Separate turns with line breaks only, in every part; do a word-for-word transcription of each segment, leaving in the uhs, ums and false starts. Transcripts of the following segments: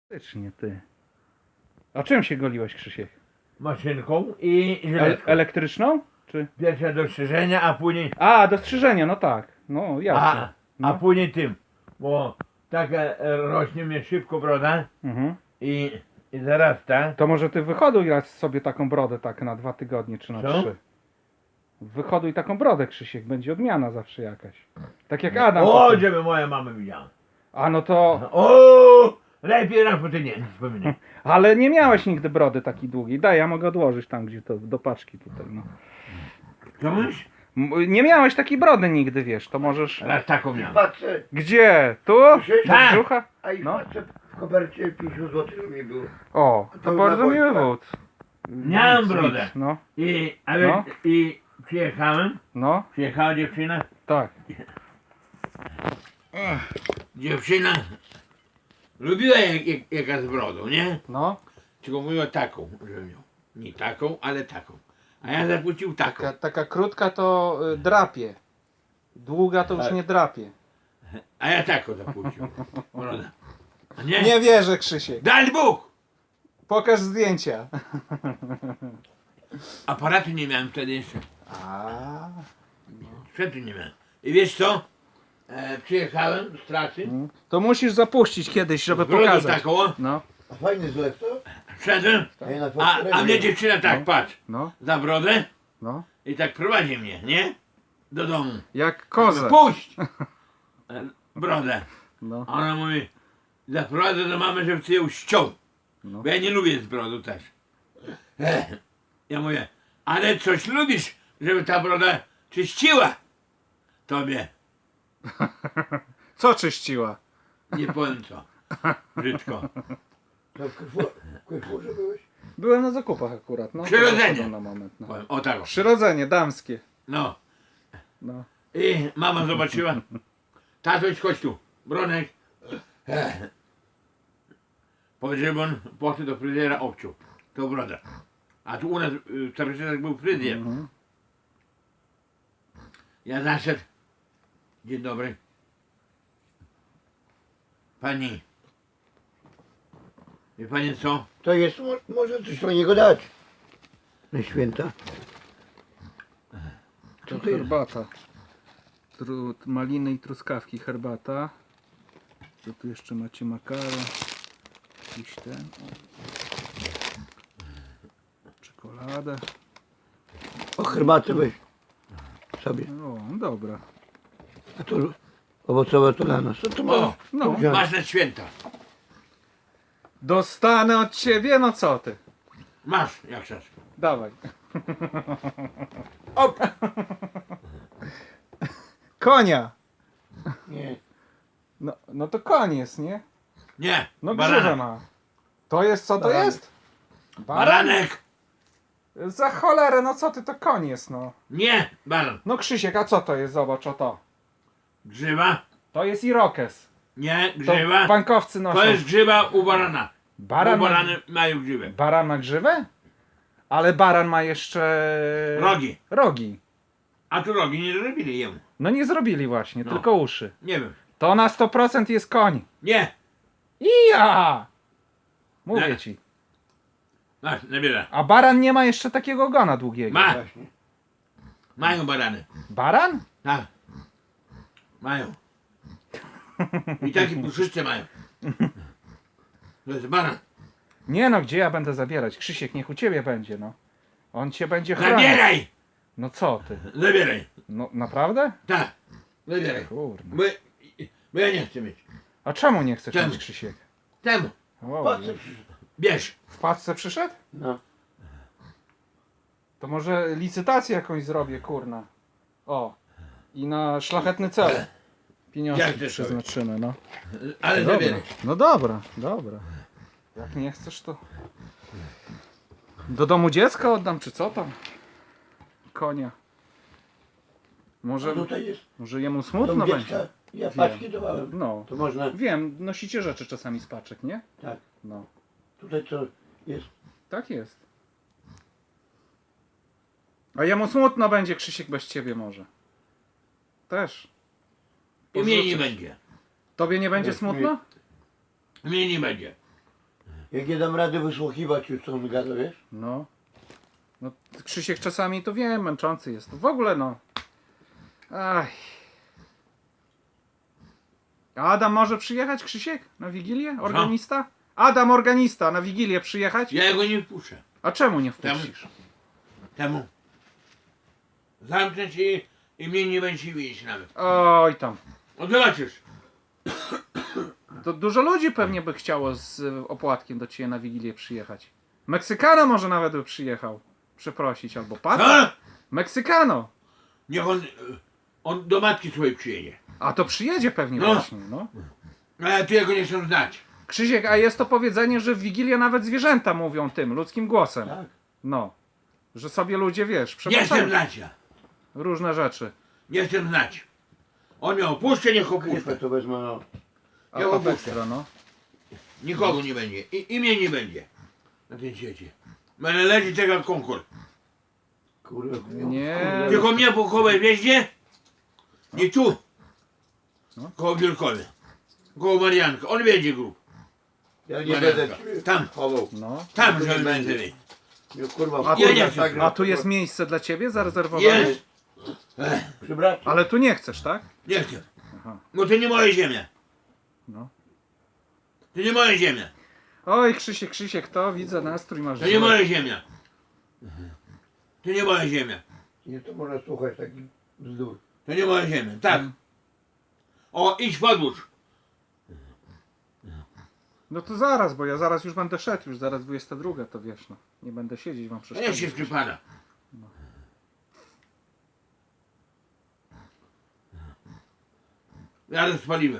Faktycznie, ty. A czym się goliłeś, Krzysiek?
Maszynką i
E
żyletką.
elektryczną? Czy?
Pierwsze do strzyżenia, a później
A, do strzyżenia, no tak. No, jasne.
a, a
No.
później tym. Bo tak e, rośnie mnie szybko broda
Mhm.
i, i zarasta.
To może ty wyhoduj raz sobie taką brodę tak na dwa tygodnie czy na
Co?
trzy. Wyhoduj taką brodę, Krzysiek, będzie odmiana zawsze jakaś. Tak jak Adam.
O,
potem.
żeby moja mama widziała.
A no to.
O, lepiej raz po tydzień wspominaj.
Ale nie miałeś nigdy brody takiej długiej. Daj, ja mogę odłożyć tam, gdzie to, do paczki tutaj, no.
Co mówisz?
M- Nie miałeś takiej brody nigdy, wiesz, to możesz.
Raz taką miałem.
Patrzę,
Gdzie? Tu?
Krzysiek?
Do
Tak.
brzucha?
a i
No.
patrzę w kopercie pięćdziesiąt złotych mi było.
O, to
To
bardzo
na
miły
Wojtka.
wód.
Miałem
Nic,
brodę.
nic, No,
I, a
No.
więc, i przyjechałem,
no,
przyjechała dziewczyna,
tak.
dziewczyna lubiła jak, jak, jaka z brodą, nie?
No.
Tylko mówiła taką, że miał. Nie taką, ale taką. A ja zapłacił taką.
Taka, taka krótka to y, drapie. Długa to już
Tak.
nie drapie.
A ja taką zapłacił. Broda. A nie?
Nie wierzę, Krzysiek.
Daj Bóg!
Pokaż zdjęcia.
Aparatu nie miałem wtedy jeszcze.
A.
Sprzętu nie miałem. I wiesz co? E, przyjechałem z trasy.
Mm. To musisz zapuścić kiedyś, żeby
z brodą
pokazać.
taką, o,
No,
A fajny zlew to?
wszedłem.
A, ja na
A,
fakturę
a mnie
nie-
dziewczyna tak,
No.
patrz,
no,
za brodę
no.
i tak prowadzi mnie, nie? Do domu.
Jak kozę.
Puść! E, Brodę.
No,
A ona mówi, zaprowadzę do mamy, żeby ty ją ściął.
no.
Bo ja nie lubię z brodu też. Ech. Ja mówię, ale coś lubisz, żeby ta broda czyściła tobie.
Co czyściła?
Nie powiem co. Brzydko.
To w Carrefour- w Carrefourze byłeś?
Byłem na zakupach akurat. No,
Przyrodzenie.
to poszedłem na moment. No.
Powiem, o tak. o.
Przyrodzenie damskie.
No.
No.
I mama zobaczyła. Tatoś, chodź tu. Bronek. Ech. Powiedz, żeby on poszedł do fryzjera, obciął. To broda. A tu u nas y, w Starożytach był fryzjer.
Mhm.
Ja zaszedł. Dzień dobry. Pani. Wie pani co?
To jest, mo- może coś do niego dać. Na święta.
To
Co to jest?
herbata. Tru, maliny i truskawki herbata. Co tu jeszcze macie? Makaron. Jakiś ten. O. Czekoladę.
O, herbatę weź sobie.
O, dobra.
A to owocowe to dla nas. Co to
O,
ma?
No.
wziąć?
masz na święta.
Dostanę od ciebie, no co ty?
Masz, jak chcesz.
Dawaj.
Op!
Konia.
Nie.
No, no to koń jest, nie?
Nie,
No grzywę
baranek.
ma. To jest, co to
Baranek.
jest? Baran?
Baranek.
Za cholerę, no co ty, to koń jest, no.
Nie, baran.
No Krzysiek, a co to jest? Zobacz, o to.
Grzywa.
To jest irokes.
Nie,
To
grzywa.
bankowcy noszą.
To jest grzywa u barana.
Baran
Bo
ma,
barany mają grzywę.
baran ma grzywę? Ale baran ma jeszcze...
Rogi.
Rogi.
A tu rogi nie zrobili jemu.
No nie zrobili właśnie,
No.
tylko uszy.
Nie wiem.
To na sto procent jest koń.
Nie.
Ija! Mówię
Nie.
ci.
Masz, nabierę.
A baran nie ma jeszcze takiego ogona długiego.
Ma.
Właśnie.
Mają barany.
Baran?
Tak. Mają. I takie puszyste mają. To jest baran.
Nie no, gdzie ja będę zabierać? Krzysiek, niech u ciebie będzie, no. On cię będzie chronił.
Zabieraj!
No co ty?
Zabieraj.
No naprawdę?
Tak. Zabieraj.
Kurde.
Bo, bo ja nie chcę mieć.
A czemu nie chcesz
Czemu?
mieć, Krzysiek?
Temu.
Wow.
Patrzę, przyszedł.
Bierz.
W paczce przyszedł?
No.
To może licytację jakąś zrobię, kurna. O. I na szlachetny cel.
Jak
Pieniążki
chcesz
przeznaczymy, no.
Ale
Dobra.
zabieraj.
No dobra, dobra. Jak nie chcesz, to... Do domu dziecka oddam, czy co tam? Konia. Może,
A tutaj jest
może jemu
dom
smutno
dziecka.
będzie.
Ja paczki dawałem.
No.
To można.
Wiem, nosicie rzeczy czasami z paczek, nie?
Tak.
No.
Tutaj co jest?
Tak jest. A jemu smutno będzie, Krzysiek, bez ciebie może. Też.
I mnie nie
Porzucisz.
będzie.
Tobie nie będzie
Bez
smutno?
Mnie nie będzie.
Jak nie dam rady wysłuchiwać już co on gada, wiesz?
No. No, Krzysiek czasami to wiem, męczący jest. W ogóle no. Aj. A Adam może przyjechać, Krzysiek? Na Wigilię? Organista? Adam, organista, na Wigilię przyjechać?
Ja go nie wpuszczę.
A czemu nie
Temu.
wpuścisz?
Temu. Zamknę się i, i mnie nie będzie widzieć nawet.
Oj tam.
No zobaczysz.
To dużo ludzi pewnie by chciało z y, opłatkiem do ciebie na Wigilię przyjechać. Meksykano może nawet by przyjechał. Przeprosić, albo pan.
Co?
Meksykano.
Niech on, on do matki swojej przyjedzie.
A to przyjedzie pewnie
No.
właśnie, no.
Ale ty jego nie chcę znać.
Krzysiek, a jest to powiedzenie, że w Wigilię nawet zwierzęta mówią tym, ludzkim głosem.
Tak.
No. Że sobie ludzie, wiesz,
Nie chcę
przepraszają
znać ja.
różne rzeczy.
Nie chcę znać. On mnie opuszczę, niech
Kurwa,
opuszczę.
to wezmę, no.
A
Ja
to
opuszczę.
ekstra, no.
Nikogo nie będzie. I, I mnie nie będzie. Na tym świecie. Będę leży tego jak konkurs.
Kurwa,
Nie.
kurwa.
Tylko mnie po kołej wjeździe. Nie tu.
No.
Koło Wielkowie. Koło Marianka. On wiedzie grób.
Ja nie
Marianka.
będę ciebie
Tam.
chował.
No.
Tam,
To nie
żeby
będzie.
będzie.
Nie, kurwa,
A,
Ja
tu,
nie
tak,
chcę.
a tu jest miejsce dla ciebie zarezerwowane?
Jest.
Przy bracie.
Ale tu nie chcesz, tak?
Nie chcę.
Aha.
Bo to nie moja ziemia.
No.
To nie moja ziemia.
Oj, Krzysiek, Krzysiek, to widzę, nastrój masz.
To nie
zły.
moja ziemia. To nie moja ziemia.
Nie, to można słuchać takich bzdur.
To nie moja ziemia. Tak. O, idź podłóż.
No to zaraz, bo ja zaraz już będę szedł, już zaraz dwudziesta druga, to wiesz, no. Nie będę siedzieć wam
A niech
przeszkadzać.
się przypada. Ja rozpaliłem.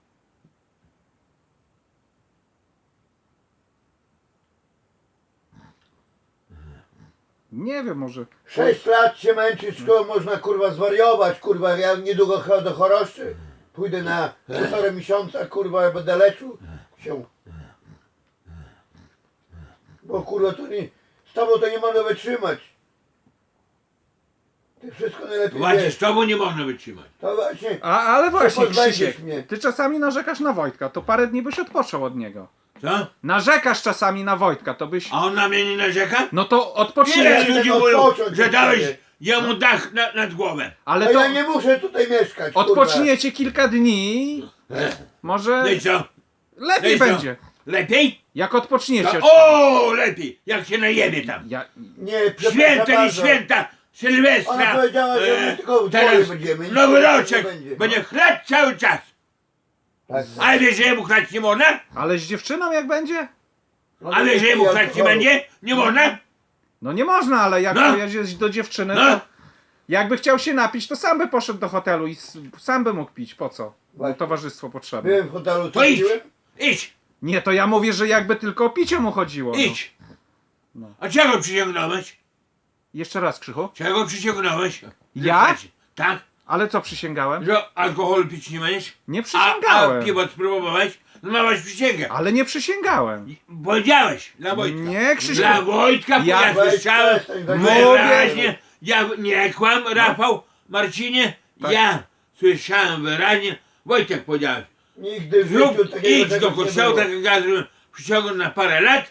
Nie wiem, może...
Sześć lat się męczyć, szkołą można kurwa zwariować, kurwa, ja niedługo cho- do choroszczy. Pójdę na półtora miesiąca, kurwa, ja będę leczył się. Bo kurwa to nie, z tobą to nie można wytrzymać. Ty wszystko najlepiej
Właśnie
wiesz.
z tobą nie można wytrzymać.
To właśnie,
A, ale właśnie,
pozbędziesz
Krzysiek,
mnie.
ty czasami narzekasz na Wojtka, to parę dni byś odpoczął od niego.
Co?
Narzekasz czasami na Wojtka, to byś...
A on na mnie nie narzeka?
No to
Ile
odpocznij.
ludzi
no
mówią,
odpocząć
że
od
dałeś
ciebie.
jemu dach na, nad głowę.
Ale
a
to
ja nie muszę tutaj mieszkać, kurwa.
odpoczniecie kilka dni, może
No i co? No
lepiej
i co?
będzie.
Lepiej?
Jak odpoczniecie.
To, o, lepiej! Jak się najebie tam.
Ja...
Nie, przepraszam
Święta, nie
bardzo.
święta, Sylwestra,
Ona powiedziała, że my tylko w dwoje
teraz
będziemy, nic
Nowy
więcej
roczek,
nie będzie.
będzie chlać cały czas.
Tak.
A wiesz, że jemu chlać nie można?
Ale z dziewczyną jak będzie?
No
A wiesz, że jemu chlać nie będzie? Nie można?
No nie można, ale jak
No.
pojedziesz do dziewczyny,
No.
to jakby chciał się napić, to sam by poszedł do hotelu i s- sam by mógł pić. Po co? Mu
Właśnie.
towarzystwo potrzebne.
Byłem w hotelu,
To
co
idź,
piłem?
idź,
Nie, to ja mówię, że jakby tylko o picie mu chodziło. No.
idź.
No.
A czego przysięgnąłeś?
Jeszcze raz, Krzychu.
Czego przysięgnąłeś?
Ja?
Tak?
Ale co przysięgałem?
Że alkoholu pić nie będziesz?
Nie
A,
przysięgałem.
a piwo spróbowałeś? No masz przysięgę.
Ale nie przysięgałem.
Powiedziałeś dla Wojtka.
Nie, Krzysiek.
Dla Wojtka, bo
Ja-
ja słyszałem
Weź, weź,
Mówię.
wyraźnie, ja nie kłam, Rafał, Marcinie,
Tak.
ja słyszałem wyraźnie, Wojtek powiedziałeś,
Nigdy w
zrób,
życiu takiego
idź do
czegoś nie
kościoła,
było.
tak jak ja zrobiłem, przyciągnę na parę lat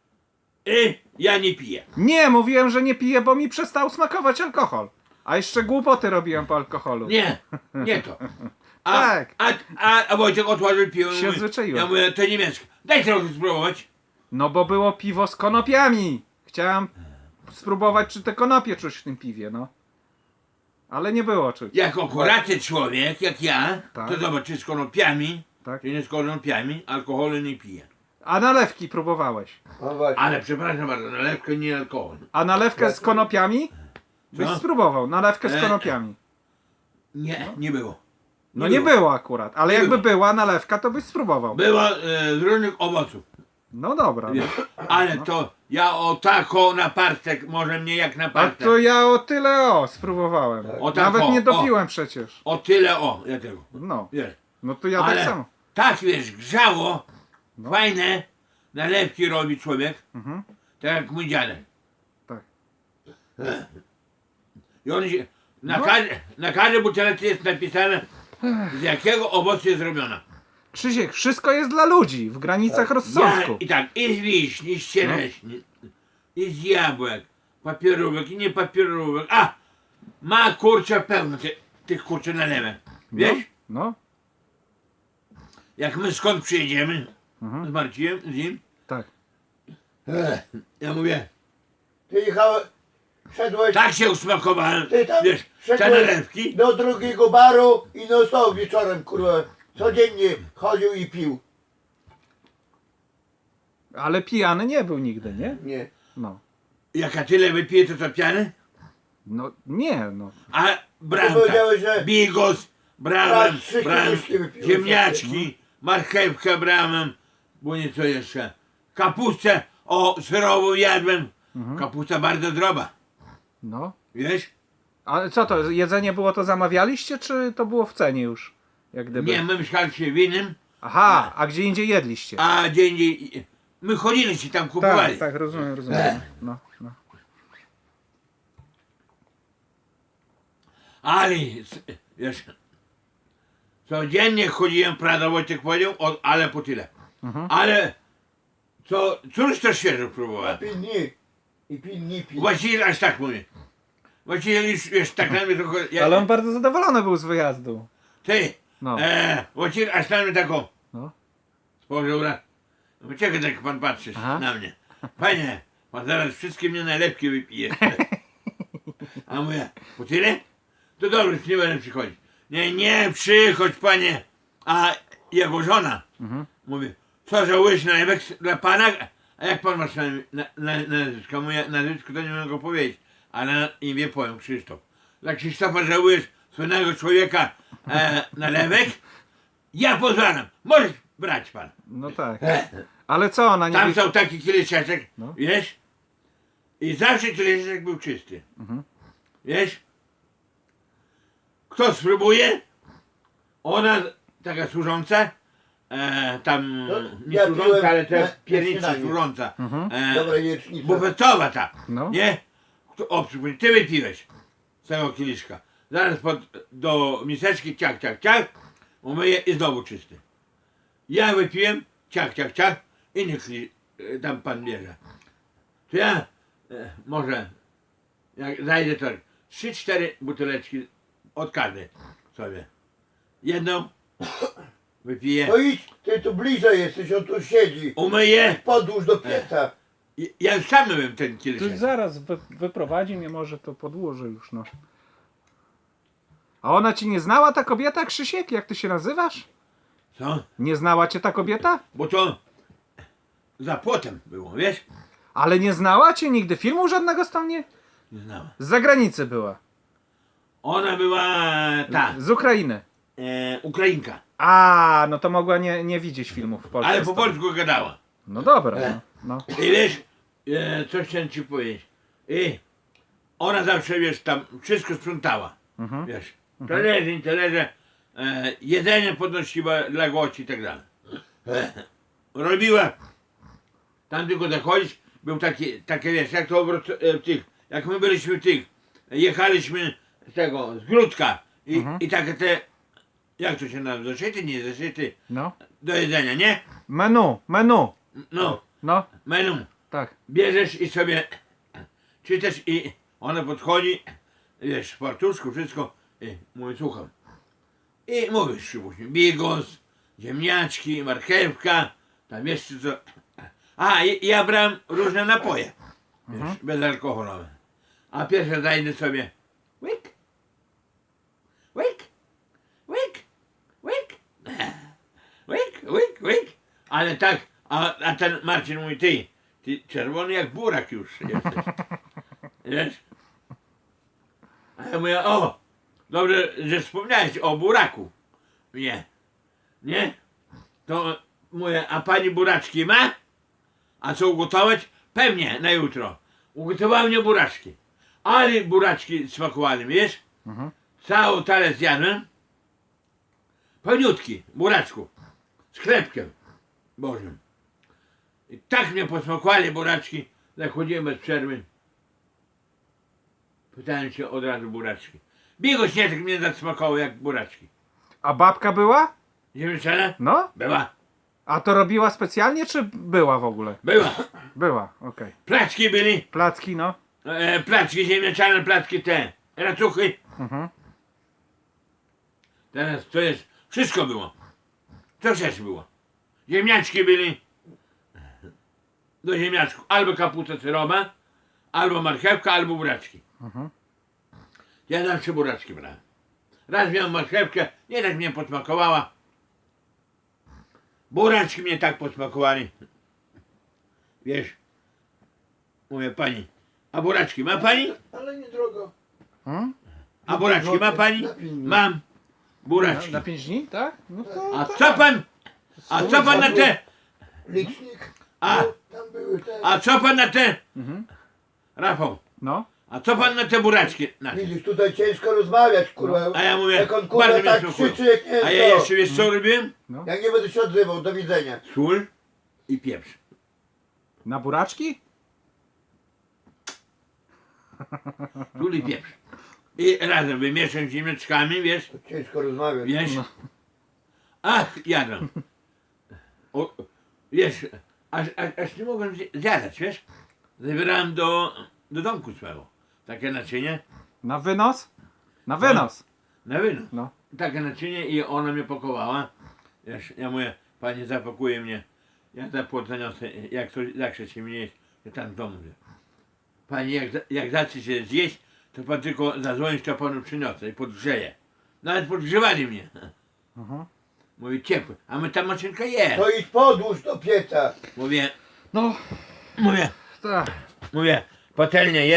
i ja nie piję.
Nie, mówiłem, że nie piję, bo mi przestał smakować alkohol. A jeszcze głupoty robiłem po alkoholu.
Nie, nie to. A,
Tak.
a, a, a Wojtek otworzył piwo.
Się
mówi,
zwyczaiłem.
ja mówię, to niemieckie. Daj trochę spróbować.
No bo było piwo z konopiami. Chciałem spróbować, czy te konopie czuć w tym piwie, no. Ale nie było czuć.
Jako akuratny człowiek, jak ja,
Tak.
to zobacz, czy z konopiami,
Tak?
czy nie z konopiami, alkoholu nie piję.
A nalewki próbowałeś.
No właśnie.
Ale przepraszam bardzo, nalewkę nie alkohol.
A nalewkę z konopiami? Byś
Co?
spróbował. Nalewkę z
E,
konopiami.
Nie, nie było.
No
nie
nie
było.
było akurat. Ale
Nie
jakby
było.
była nalewka, to byś spróbował.
Było e, z różnych owoców.
No dobra. No.
Ale to ja o tako na partek, może mnie jak na
A
partek.
to ja o tyle o spróbowałem.
O tak,
Nawet
o,
nie
o.
dopiłem przecież.
O tyle o, ja tego.
No.
Wiesz.
No to ja
Ale
tak samo.
tak wiesz, grzało,
No.
fajne nalewki robi człowiek,
Mhm.
tak jak mój dziadek.
Tak.
I on się, na,
No.
każdy, na każdej butelce jest napisane, z jakiego owocu jest zrobiona.
Krzysiek, wszystko jest dla ludzi, w granicach
Tak.
rozsądku.
Ja, I tak, i z wiśni, i z ciereśni, i z jabłek, papierówek, i nie papierówek. A! Ma kurczę pełno ty, tych kurczę nalewek. Wiesz?
No,
Jak my skąd przyjedziemy
Mhm.
z Marcinem, z nim,
tak.
Ech,
ja mówię,
Ty jechałeś, szedłeś
tak się usmakowałem,
Ty tam
wiesz, te
szedłeś
nalewki.
do drugiego baru i no stał wieczorem, kurwa, codziennie chodził i pił.
Ale pijany nie był nigdy, nie?
Nie.
No.
Jak ja tyle wypiję, to co piany?
No nie, no.
A brałem
Ty powiedziałeś,
tak,
że
bigos, brałem,
raz trzy
brałem
kieliszki wypiłeś.
ziemniaczki, marchewkę brałem, bo nie co jeszcze, kapustę, o, surową jadłem,
Mhm.
kapusta bardzo zdrowa,
No.
wiesz?
Ale co to, jedzenie było to zamawialiście, czy to było w cenie już? Jak gdyby.
Nie, my mieszkaliśmy w innym,
Aha, a gdzie indziej jedliście?
a gdzie indziej, my chodziliśmy tam, kupowali.
Tak, tak, rozumiem, rozumiem. No, no.
Ale, s- wiesz, codziennie chodziłem, prawda, Wojtek powiedział, o, ale po tyle.
Mhm.
Ale, co, cóż to świeżo próbowałem.
Pilni. I pilni pił.
Właściwie aż tak mówię. Właściwie już, wiesz, tak na mnie trochę, ja,
Ale on bardzo zadowolony był z wyjazdu.
ty,
No.
e, właściwie aż na mnie taką,
No.
spojrzał raz, no czekaj, tak pan patrzysz
Aha.
na mnie. Panie, pan zaraz wszystkie mnie najlepkie wypije. A mówię, po tyle? To dobrze, już nie będę przychodzić. Nie, nie, przychodź panie. A jego żona
Mhm.
mówi, co żałujesz nalewek dla pana? A jak pan masz na, na, na, na nazwisko? Moje nazwisko to nie mogę go powiedzieć, ale na imię powiem Krzysztof. Dla Krzysztofa żałujesz słynnego człowieka e, nalewek? Ja pozwalam, możesz brać pan.
No tak. Ale co ona nie
Tam
wie...
są taki kieliszeczek,
No.
wiesz? I zawsze kieliszeczek był czysty.
Mhm.
Wiesz? Kto spróbuje? Ona, taka służąca, e, tam
No,
nie
ja
służąca,
piłem
ale
na-
te
na
piernicy
śniadanie.
służąca.
Mhm.
E,
Dobra jecznica.
bufetowa ta,
No.
nie? Kto, o, przypomnij, ty wypiłeś z tego kieliszka. Zaraz pod, do miseczki, ciach, ciach, ciach, umyję i znowu czysty. Ja wypiłem, ciach, ciach, ciach, i niech e, tam pan bierze. To ja e, może, jak zajdę to trzy, cztery buteleczki od każdej sobie. Jedną wypiję,
No idź, ty tu bliżej jesteś, on tu siedzi.
umyję.
Podłóż do pieca.
I- Ja już sam myłem ten
Tu
kieliszek.
zaraz wy, wyprowadzi mnie, może to podłożę już, no. A ona ci nie znała, ta kobieta, Krzysiek? Jak ty się nazywasz?
Co?
Nie znała cię ta kobieta?
Bo to za płotem było, wiesz?
Ale nie znała cię nigdy? Filmu żadnego z tam nie?
Nie znała.
Z zagranicy była.
Ona była ta,
Z Ukrainy.
e, Ukrainka,
A, no to mogła nie, nie widzieć filmów w Polsce.
ale
z
po
tobą.
polsku gadała.
No dobra, no. no.
I wiesz, e, coś chciałem ci powiedzieć. I ona zawsze, wiesz, tam wszystko sprzątała,
Mhm.
wiesz. Talerze, nie talerze, e, jedzenie podnosiła dla gości i tak dalej. E, robiła, tam tylko zachodzić, był taki, takie, wiesz, jak to obrót, e, w tych, jak my byliśmy w tych, jechaliśmy z tego, z Gródka i,
Mhm.
i takie te, jak to się nazywa, zaszyty, nie zaszyty,
No.
do jedzenia, nie?
Menu, menu.
No,
No,
menu.
tak.
Bierzesz i sobie czytasz i ona podchodzi, wiesz, w fartuszku, wszystko i mówi, słucham. I mówisz, Szybuś, bigos, ziemniaczki, marchewka, tam jeszcze co. A, i ja brałem różne napoje, wiesz,
Mhm.
bezalkoholowe. A pierwsze zajdę sobie, łyk, łyk, łyk, łyk, łyk, łyk, łyk. Ale tak, a, a ten Marcin mówi, ty, ty czerwony jak burak już jesteś. Wiesz? A ja mówię, o, dobrze, że wspomniałeś o buraku. Nie, nie? To mówię, a pani buraczki ma? A co ugotować? Pewnie, na jutro. Ugotowałem mnie buraczki. Ale buraczki smakowały, wiesz?
Mhm.
Cały talerz zjadłem. Pełniutki, buraczku. Z chlebkiem bożym. I tak mnie posmakowali buraczki, że chodziłem bez przerwy. Pytałem się od razu buraczki. Bigos nie tak mnie zasmakował jak buraczki.
A babka była?
Ziemniaczana?
No?
Była.
A to robiła specjalnie, czy była w ogóle?
Była.
Była, okej.
Placki byli.
Placki, no.
E, placki ziemniaczane, placki te. Racuchy.
Mhm.
Teraz to jest, wszystko było. To też było. Ziemniaczki byli. Do ziemniaczków albo kapusta syrowa, albo marchewka, albo buraczki.
Mhm.
Ja zawsze buraczki brałem. Raz miałem marchewkę, nie tak mnie posmakowała. Buraczki mnie tak posmakowali. Wiesz, mówię pani, a buraczki ma pani?
Ale niedrogo.
Hmm?
A buraczki ma pani?
Na pięć dni.
Mam.
Na,
Buraczki.
na pięć dni, tak? No to...
A co pan? A co pan na te?
Licznik.
A,
No, tam były te.
a co pan na te?
Mhm.
Rafał,
No.
a co pan na te buraczki? Na te?
Widzisz, tutaj ciężko rozmawiać, kurwa.
A ja mówię,
Jak on kurwa
bardzo mnie
tak
smakuje.
krzyczy, jak nie
A
wiem
ja
co.
jeszcze wiesz co robiłem?
Ja nie będę się odzywał, do widzenia.
Sól i pieprz.
Na buraczki?
Sól i pieprz. I razem wymieszam z ziemniaczkami, wiesz?
To ciężko rozmawiać.
Wiesz?
No.
Ach, jadłem. O, wiesz, aż, aż, aż nie mogłem zje- zjadać, wiesz? Zabierałem do, do domku swego. Takie naczynie,
Na wynos? Na wynos.
na wynos.
No.
Takie naczynie i ona mnie pakowała. Wiesz, ja mówię, pani zapakuje mnie. Ja za płot zaniosę, jak to zawsze się mnie jest, to tam w domu. Wie. Pani, jak, za- jak zacznie się zjeść, to pan tylko zadzwonić, to panu przyniosę i podgrzeje. Nawet podgrzewali mnie.
Mhm.
Mówię, ciepły, a my ta maszynka jest.
To idź podłóż do pieca.
Mówię,
No,
mówię,
tak.
mówię, patelnia jest.